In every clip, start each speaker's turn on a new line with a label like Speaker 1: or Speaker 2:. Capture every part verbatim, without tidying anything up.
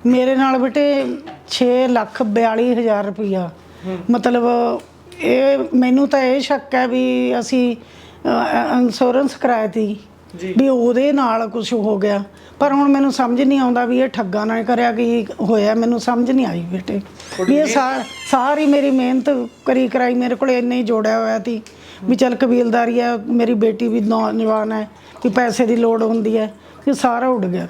Speaker 1: ਮੇਰੇ ਨਾਲ ਬੇਟੇ ਛੇ ਲੱਖ ਬਿਆਲੀ ਹਜ਼ਾਰ ਰੁਪਈਆ ਮਤਲਬ ਇਹ ਮੈਨੂੰ ਤਾਂ ਇਹ ਸ਼ੱਕ ਹੈ ਵੀ ਅਸੀਂ ਇੰਸ਼ੋਰੈਂਸ ਕਰਾਇਆ ਤੀ ਵੀ ਉਹਦੇ ਨਾਲ ਕੁਝ ਹੋ ਗਿਆ, ਪਰ ਹੁਣ ਮੈਨੂੰ ਸਮਝ ਨਹੀਂ ਆਉਂਦਾ ਵੀ ਇਹ ਠੱਗਾ ਨਾਲ ਕਰਿਆ ਕੀ ਹੋਇਆ, ਮੈਨੂੰ ਸਮਝ ਨਹੀਂ ਆਈ ਬੇਟੇ ਵੀ ਇਹ ਸਾਰੀ ਮੇਰੀ ਮਿਹਨਤ ਕਰੀ ਕਰਾਈ ਮੇਰੇ ਕੋਲ ਇੰਨੇ ਹੀ ਜੋੜਿਆ ਹੋਇਆ ਸੀ ਵੀ ਚੱਲ ਕਬੀਲਦਾਰੀ ਹੈ, ਮੇਰੀ ਬੇਟੀ ਵੀ ਨੌਜਵਾਨ ਹੈ ਕਿ ਪੈਸੇ ਦੀ ਲੋੜ ਹੁੰਦੀ ਹੈ, ਕਿ ਸਾਰਾ ਉੱਡ ਗਿਆ।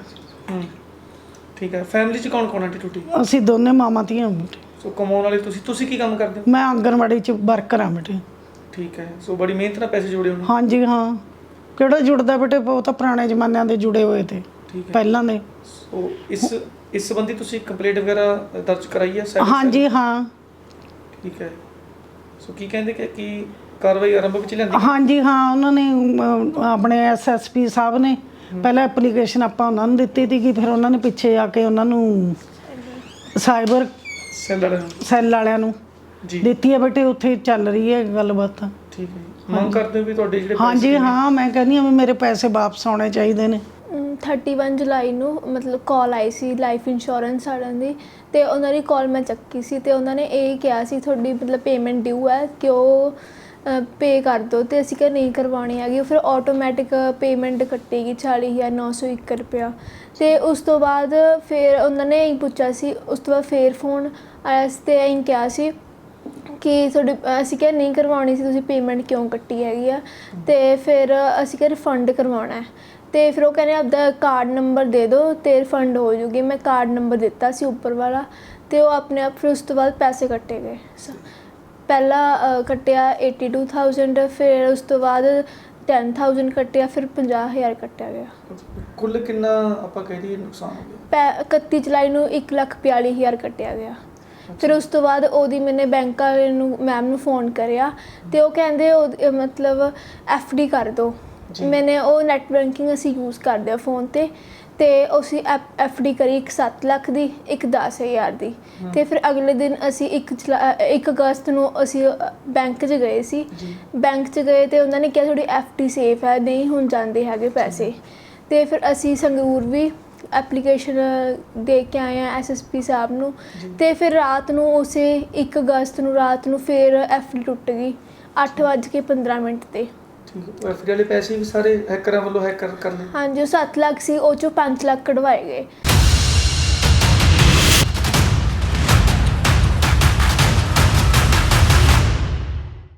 Speaker 2: ਠੀਕ ਹੈ। ਫੈਮਿਲੀ ਚ ਕੌਣ ਕੌਣ ਆਂਟੀ ਟੁੱਟੀ?
Speaker 1: ਅਸੀਂ ਦੋਨੇ ਮਾਮਾ ਧੀਆਂ ਬੇਟੇ।
Speaker 2: ਸੋ ਕਮਾਉਣ ਵਾਲੇ ਤੁਸੀਂ ਤੁਸੀਂ ਕੀ ਕੰਮ ਕਰਦੇ ਹੋ?
Speaker 1: ਮੈਂ ਆਂਗਣਵਾੜੀ ਚ ਵਰਕਰ ਹਾਂ ਬੇਟੇ।
Speaker 2: ਠੀਕ ਹੈ। ਸੋ ਬੜੀ ਮਿਹਨਤ ਨਾਲ ਪੈਸੇ ਜੋੜੇ ਹੋਣੇ।
Speaker 1: ਹਾਂਜੀ ਹਾਂ, ਕਿਹੜਾ ਜੁੜਦਾ ਬੇਟੇ, ਉਹ ਤਾਂ ਪੁਰਾਣੇ ਜ਼ਮਾਨਿਆਂ ਦੇ ਜੁੜੇ ਹੋਏ ਤੇ ਪਹਿਲਾਂ ਦੇ।
Speaker 2: ਸੋ ਇਸ ਇਸ ਸੰਬੰਧੀ ਤੁਸੀਂ ਕੰਪਲੇਂਟ ਵਗੈਰਾ ਦਰਜ ਕਰਾਈ ਹੈ?
Speaker 1: ਹਾਂਜੀ ਹਾਂ।
Speaker 2: ਠੀਕ ਹੈ। ਸੋ ਕੀ ਕਹਿੰਦੇ ਕਿ ਕੀ ਕਾਰਵਾਈ ਆਰੰਭ ਵਿੱਚ ਲਿਆਂਦੀ?
Speaker 1: ਹਾਂਜੀ ਹਾਂ, ਉਹਨਾਂ ਨੇ ਆਪਣੇ ਐਸ ਐਸ ਪੀ ਸਾਹਿਬ ਨੇ ਪਹਿਲਾਂ ਐਪਲੀਕੇਸ਼ਨ ਆਪਾਂ ਉਹਨਾਂ ਨੂੰ ਦਿੱਤੀ ਸੀ, ਫਿਰ ਉਹਨਾਂ ਨੇ ਪਿੱਛੇ ਆ ਕੇ ਉਹਨਾਂ ਨੂੰ ਸਾਈਬਰ
Speaker 2: ਸੈੱਲ ਵਾਲਿਆਂ ਨੂੰ
Speaker 1: ਸੈੱਲ ਵਾਲਿਆਂ ਨੂੰ ਦਿੱਤੀ ਹੈ ਬੇਟੇ, ਉੱਥੇ ਚੱਲ ਰਹੀ ਹੈ ਗੱਲਬਾਤ।
Speaker 2: ਠੀਕ ਹੈ। ਮੰਗ ਕਰਦੇ ਹੋ ਵੀ ਤੁਹਾਡੇ ਜਿਹੜੇ
Speaker 1: ਹਾਂਜੀ ਹਾਂ, ਮੈਂ ਕਹਿੰਦੀ ਹਾਂ ਵੀ ਮੇਰੇ ਪੈਸੇ ਵਾਪਸ ਆਉਣੇ ਚਾਹੀਦੇ ਨੇ।
Speaker 3: ਇਕੱਤੀ ਜੁਲਾਈ ਨੂੰ ਮਤਲਬ ਕਾਲ ਆਈ ਸੀ ਲਾਈਫ ਇੰਸ਼ੋਰੈਂਸ ਵਾਲਿਆਂ ਦੀ, ਅਤੇ ਉਹਨਾਂ ਦੀ ਕਾਲ ਮੈਂ ਚੱਕੀ ਸੀ ਅਤੇ ਉਹਨਾਂ ਨੇ ਇਹ ਕਿਹਾ ਸੀ ਤੁਹਾਡੀ ਮਤਲਬ ਪੇਮੈਂਟ ਡਿਊ ਹੈ ਕਿ ਉਹ ਪੇ ਕਰ ਦਿਓ, ਅਤੇ ਅਸੀਂ ਕਿਹਾ ਨਹੀਂ ਕਰਵਾਉਣੀ ਹੈਗੀ। ਫਿਰ ਆਟੋਮੈਟਿਕ ਪੇਮੈਂਟ ਕੱਟੇਗੀ ਚਾਲੀ ਹਜ਼ਾਰ ਨੌ ਸੌ ਇੱਕ ਰੁਪਇਆ। ਅਤੇ ਉਸ ਤੋਂ ਬਾਅਦ ਫਿਰ ਉਹਨਾਂ ਨੇ ਇਹੀ ਪੁੱਛਿਆ ਸੀ, ਉਸ ਤੋਂ ਬਾਅਦ ਫਿਰ ਫੋਨ ਆਇਆ ਸੀ ਅਤੇ ਇਹੀ ਕਿਹਾ ਸੀ ਕਿ ਤੁਹਾਡੀ, ਅਸੀਂ ਕਿਹਾ ਨਹੀਂ ਕਰਵਾਉਣੀ ਸੀ, ਤੁਸੀਂ ਪੇਮੈਂਟ ਕਿਉਂ ਕੱਟੀ ਹੈਗੀ ਆ, ਅਤੇ ਫਿਰ ਅਸੀਂ ਕਿਹਾ ਰਿਫੰਡ ਕਰਵਾਉਣਾ ਹੈ। ਅਤੇ ਫਿਰ ਉਹ ਕਹਿੰਦੇ ਆਪਦਾ ਕਾਰਡ ਨੰਬਰ ਦੇ ਦਿਓ ਅਤੇ ਰਿਫੰਡ ਹੋ ਜੂਗੀ। ਮੈਂ ਕਾਰਡ ਨੰਬਰ ਦਿੱਤਾ ਸੀ ਉੱਪਰ ਵਾਲਾ, ਅਤੇ ਉਹ ਆਪਣੇ ਆਪ ਫਿਰ ਉਸ ਤੋਂ ਬਾਅਦ ਪੈਸੇ ਕੱਟੇ ਗਏ। ਪਹਿਲਾਂ ਕੱਟਿਆ ਏਟੀ ਟੂ ਥਾਊਜੈਂਡ, ਫਿਰ ਉਸ ਤੋਂ ਬਾਅਦ ਟੈਨ ਥਾਊਜੈਂਡ ਕੱਟਿਆ, ਫਿਰ ਪੰਜਾਹ ਹਜ਼ਾਰ ਕੱਟਿਆ ਗਿਆ।
Speaker 2: ਕੁੱਲ ਕਿੰਨਾ ਆਪਾਂ ਕਹਿ ਦਈਏ ਨੁਕਸਾਨ ਹੋ ਗਿਆ?
Speaker 3: ਪੈ ਇਕੱਤੀ ਜੁਲਾਈ ਨੂੰ ਇੱਕ ਲੱਖ ਬਿਆਲੀ ਹਜ਼ਾਰ ਕੱਟਿਆ ਗਿਆ। ਫਿਰ ਉਸ ਤੋਂ ਬਾਅਦ ਉਹਦੀ ਮੈਨੇ ਬੈਂਕ ਵਾਲੇ ਨੂੰ ਮੈਮ ਨੂੰ ਫ਼ੋਨ ਕਰਿਆ ਅਤੇ ਉਹ ਕਹਿੰਦੇ ਉਹ ਮਤਲਬ ਐਫ ਡੀ ਕਰ ਦਿਓ। ਮੈਨੇ ਉਹ ਨੈੱਟ ਬੈਂਕਿੰਗ ਅਸੀਂ ਯੂਜ਼ ਕਰਦੇ ਹਾਂ ਫ਼ੋਨ 'ਤੇ, ਅਤੇ ਅਸੀਂ ਐਫ ਐਫ ਡੀ ਕਰੀ ਇੱਕ ਸੱਤ ਲੱਖ ਦੀ, ਇੱਕ ਦਸ ਹਜ਼ਾਰ ਦੀ। ਅਤੇ ਫਿਰ ਅਗਲੇ ਦਿਨ ਅਸੀਂ ਇੱਕ ਜੁਲਾ ਇੱਕ ਅਗਸਤ ਨੂੰ ਅਸੀਂ ਬੈਂਕ 'ਚ ਗਏ ਸੀ। ਬੈਂਕ 'ਚ ਗਏ ਅਤੇ ਉਹਨਾਂ ਨੇ ਕਿਹਾ ਤੁਹਾਡੀ ਐਫ ਡੀ ਸੇਫ ਹੈ, ਨਹੀਂ ਹੁਣ ਜਾਂਦੇ ਹੈਗੇ ਪੈਸੇ। ਅਤੇ ਫਿਰ ਅਸੀਂ ਸੰਗਰੂਰ ਵੀ ਐਪਲੀਕੇਸ਼ਨ ਦੇ ਕੇ ਆਏ ਹਾਂ ਐਸ ਐਸ ਪੀ ਸਾਹਿਬ ਨੂੰ, ਅਤੇ ਫਿਰ ਰਾਤ ਨੂੰ ਉਸੇ ਇੱਕ ਅਗਸਤ ਨੂੰ ਰਾਤ ਨੂੰ ਫਿਰ ਐਫ ਡੀ ਟੁੱਟ ਗਈ ਅੱਠ ਵੱਜ ਕੇ ਪੰਦਰਾਂ ਮਿੰਟ 'ਤੇ।
Speaker 2: ਐਫ ਡੀ ਵਾਲੇ ਪੈਸੇ ਵੀ ਸਾਰੇ ਹੈਕਰਾਂ ਵੱਲੋਂ ਹੈਕਰ ਕਰ ਲਏ?
Speaker 3: ਹਾਂਜੀ, ਉਹ ਸੱਤ ਲੱਖ ਸੀ, ਉਹ 'ਚੋਂ ਪੰਜ ਲੱਖ ਕਢਵਾਏ ਗਏ।